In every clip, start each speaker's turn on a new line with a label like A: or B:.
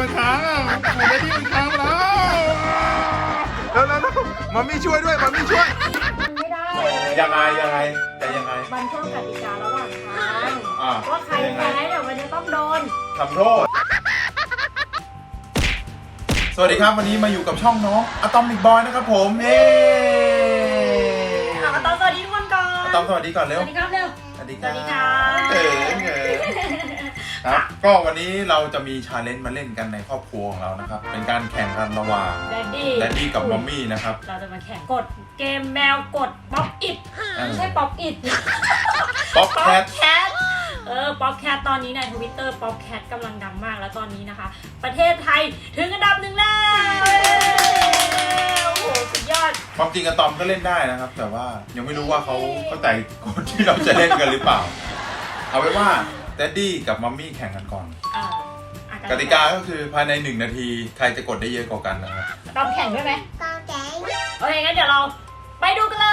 A: มันค้างอ่ะหมูได้ที่มันค้างแล้วมัมมี่ช่วยด้วยมัมมี่ช่วย
B: ไม่ได้
A: ยังไงแต่ยังไง
B: มันเพิ่มกติการะหว่างทางว่าใครแพ้เดี๋ยวมันจะต้องโดน
A: ทำโทษสวัสดีครับวันนี้มาอยู่กับช่องน้องอะตอมิกบอยนะครับผมเฮ้
B: อะตอมสวัสดีทุกคนก่อน
A: อะตอมสวัสดีก่อนเร็ว
B: สวัสดีครับเร็ว
A: สวัสดีครับครับก็วันนี้เราจะมีชาเลนจ์มาเล่นกันในครอบครัวของเรานะครับเป็นการแข่งกันระหว่างแดดดี้กับมัมมี่นะครับ
B: เราจะมาแข่งกดเกมแมวกดป๊อปอิดไม่ใช่ป๊อปอิด
A: ป๊อปแคท
B: ป๊อปแคทตอนนี้ใน Twitter ป๊อปแคทกำลังดังมากแล้วตอนนี้นะคะประเทศไทยถึงอันดับ1แล้วโอ้โหสุดยอด
A: ความจริงอะตอมก็เล่นได้นะครับแต่ว่ายังไม่รู้ว่าเขาเข้าใจกฎที่เราจะเล่นกันหรือเปล่าเอาไว้ว่าแดดดี้กับมัมมี่แข่งกันก่อนกติกาก็คือภายใน1 นาทีใครจะกดได้เยอะกว่ากันนะครับ
B: ตอมแข่งด้วยไหมตอมแข่งโอเคงั้นเดี๋ยวเราไปดูกันเลย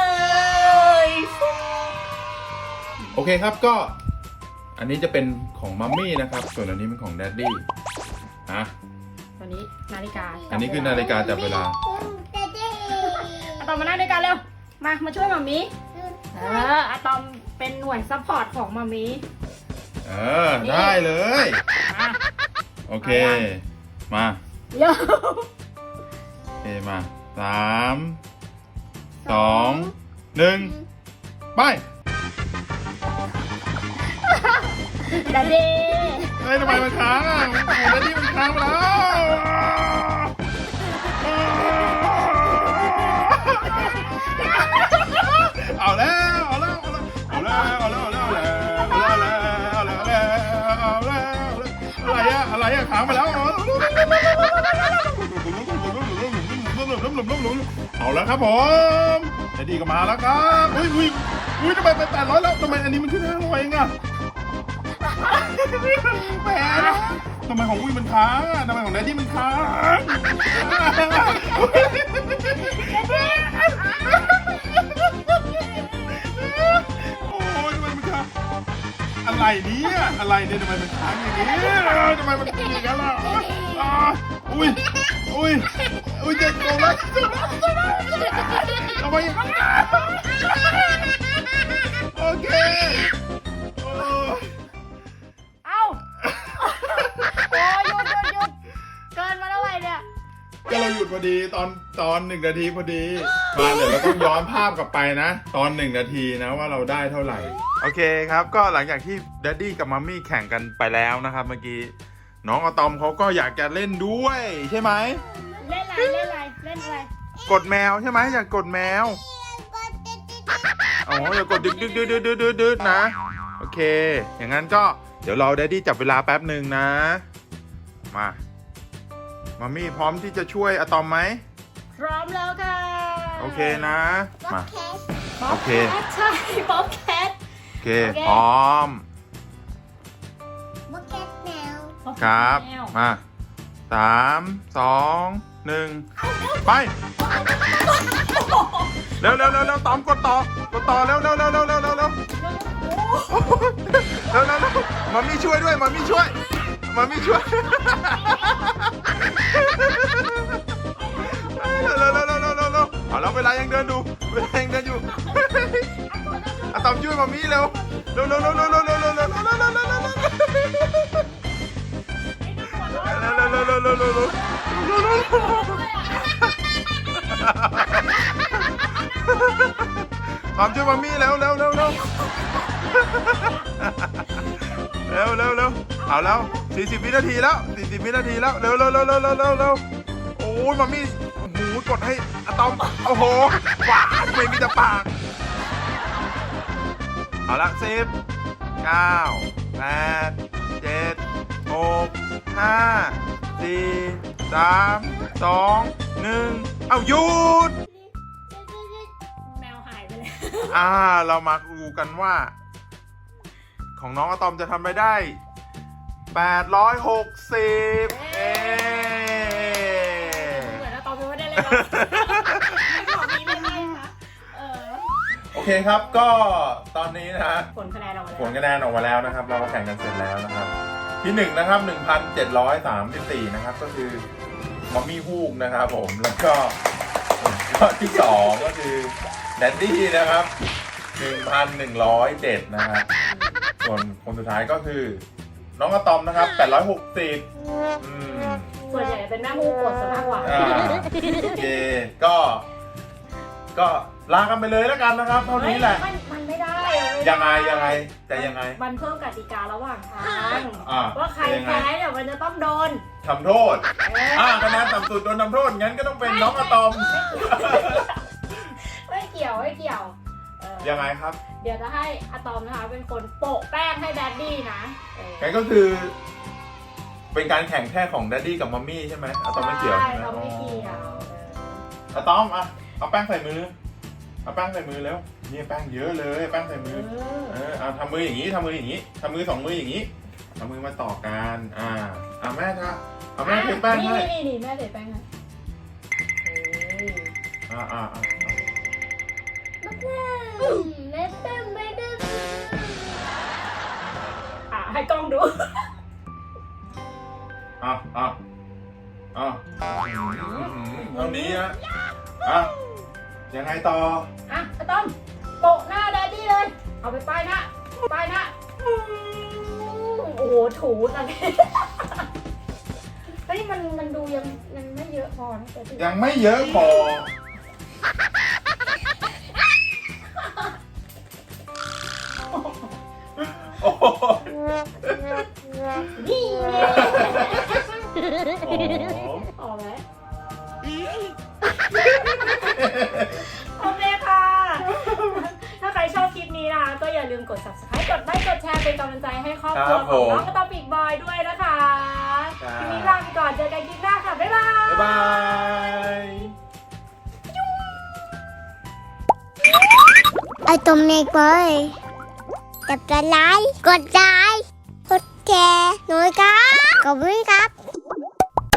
A: โอเคครับก็อันนี้จะเป็นของมัมมี่นะครับส่วนอันนี้เป็นของแดดดี้
B: ตัวนี้นาฬิกา
A: อันนี้คือนาฬิกาจับเวลา
B: อะตอมมานั่งด้วยกันเร็วมาช่วยมัมมี่อะตอมเป็นหน่วยซัพพอร์ตของมัมมี่
A: ได้เลยโอเคมา
B: เยอะ
A: โอเคมา3 2 1ไป
B: ดาดี
A: เฮ้ยทำไมมันค้างอ่ะหมูดาดี้มันค้างมาแล้วเอาแล้วอะไรอะค้างมาแล้วเอาแล้วครับผมดาดี้ก็มาแล้วครับอุ้ยทำไมไป800แล้วทำไมอันนี้มันขึ้น500เองอะแหมทำไมของอุ้ยมันค้างทำไมของแดดดี้มันค้างโอ้ยทำไมมันค้างอะไรเนี่ยทำไมมันค้างอย่างนี้ทำไมมันเป็นอย่างนั้นล่ะอุ้ยเจ็บตัวแล้วทำไมอย่างนั้นโอเคก็เราหยุดพอดีตอน1 นาทีพอดีมาเดี๋ยวเราต้องย้อนภาพกลับไปนะตอน1 นาทีนะว่าเราได้เท่าไหร่โอเคครับก็หลังจากที่แดดดี้กับมัมมี่แข่งกันไปแล้วนะครับเมื่อกี้น้องอะตอมเขาก็อยากจะเล่นด้วยใช่ไหม
B: เล่นอะไร
A: กดแมวใช่ไหมอยากกดแมวอ๋ออยากกดดึกนะโอเคอย่างนั้นก็เดี๋ยวเราแดดดี้จับเวลาแป๊บหนึ่งนะมามัมมี่พร้อมที่จะช่วยอะตอมไหม
B: พร้อมแล้วค่ะ
A: โอเคนะมาโอเค
B: ใช่ป๊อปแคท
A: โอเคพร้อม
B: ป๊อปแคทแมว
A: ครับมา3 2 1ไปเร็วตอมกดต่อเร็วมัมมี่ช่วยด้วยมัมมี่ช่วยเอาแล้วเวลายังเดินอยู่อะตอมช่วยมัมมี่เร็วตอมช่วยมัมมี่เร็วเอาแล้ว40 วินาทีแล้วเร็วโอ้ยมัมมี่กดให้อะตอมโอ้โหว้าไม่มีแต่ปากเอาละ10 9 8 7 6 5 4 3 2 1เอาหยุด
B: แมวหายไปแล้ว
A: เรามาดูกันว่าของน้องอะตอมจะทำไปได้860
B: เหมือนอะตอมไม่ได้เลยของนี้ไม่ได้ค่ะ
A: โอเคครับก็ตอนนี้นะ
B: ผลคะแนนออกมาแล้ว
A: นะครับเราแข่งกันเสร็จแล้วนะครับที่1นะครับ 1,734 นะครับก็คือมัมมี่ฮูกนะครับผมแล้วก็ที่ 2 ก็คือแดดดี้นะครับ 1,107 นะครับส่วนคนสุดท้ายก็คือน้องอะตอมนะครับ 860
B: ส่วนใหญ่เป็นแม่ฮูกกดซะมากกว่า
A: โอเคก็ลากันไปเลยแล้วกันนะครับเท่านี้แหละ
B: มันไม่ได้
A: ยังไงแต่ยังไง
B: มันเพิ่มกติการะหว่างทาง
A: ว่า
B: ว่าใครแพ้เนี่ยมันจะต้องโดน
A: ทำโทษคะแนนต่ำสุดโดนทำโทษงั้นก็ต้องเป็นน้องอะตอม
B: ไม่เกี่ยว
A: ยังไงครับ
B: เดี๋ยวจะให้อะตอมนะคะเป็นคนโปะแป้งให้แดดดี้นะ
A: งั้นก็คือ เป็นการแข่งแค่ของแดดดี้กับมัมมี่ใช่ไหมอะตอมไม่เกี่ยวใช่ไหม
B: เราไม่เกี่ยว
A: อะตอมเอาแป้งใส่มือเอาแป้งใส่มือแล้วนี่แป้งเยอะเลยแป้งใส่มือเอาทำมืออย่างนี้ทำมือ2 มืออย่างนี้เอามือมาต่อกันแม่คะเอาแม่เทแป้งให้
B: นี่แม่เทแป้งให้ให้กล้องดู
A: เท่านี้นะยังไงต่อ
B: อะต้อมโปะหน้าแดดดี้เลยเอาไปป้ายหน้าโอ้โหถูนะเฮ้ยมันดูยังไม่เยอะพอนะ
A: ยังไม่เยอะพอ
B: นี่ออกไหมโอเคค่ะ ถ้าใครชอบคลิปนี้นะคะก็อย่าลืมกด subscribe กดไลค์กดแชร์เป็นกำลังใจให้ครอบครัวของน้องกระต่ายปีกบอยด้วยนะคะคลิปนี้ลาไปก่อนเจอกันคลิปหน้าค่ะบ๊ายบาย
C: ไอ้ตุ่มเด็กบอยจับไลค์กดไลค์กดแชร์หน่อยครับขอบคุณครับ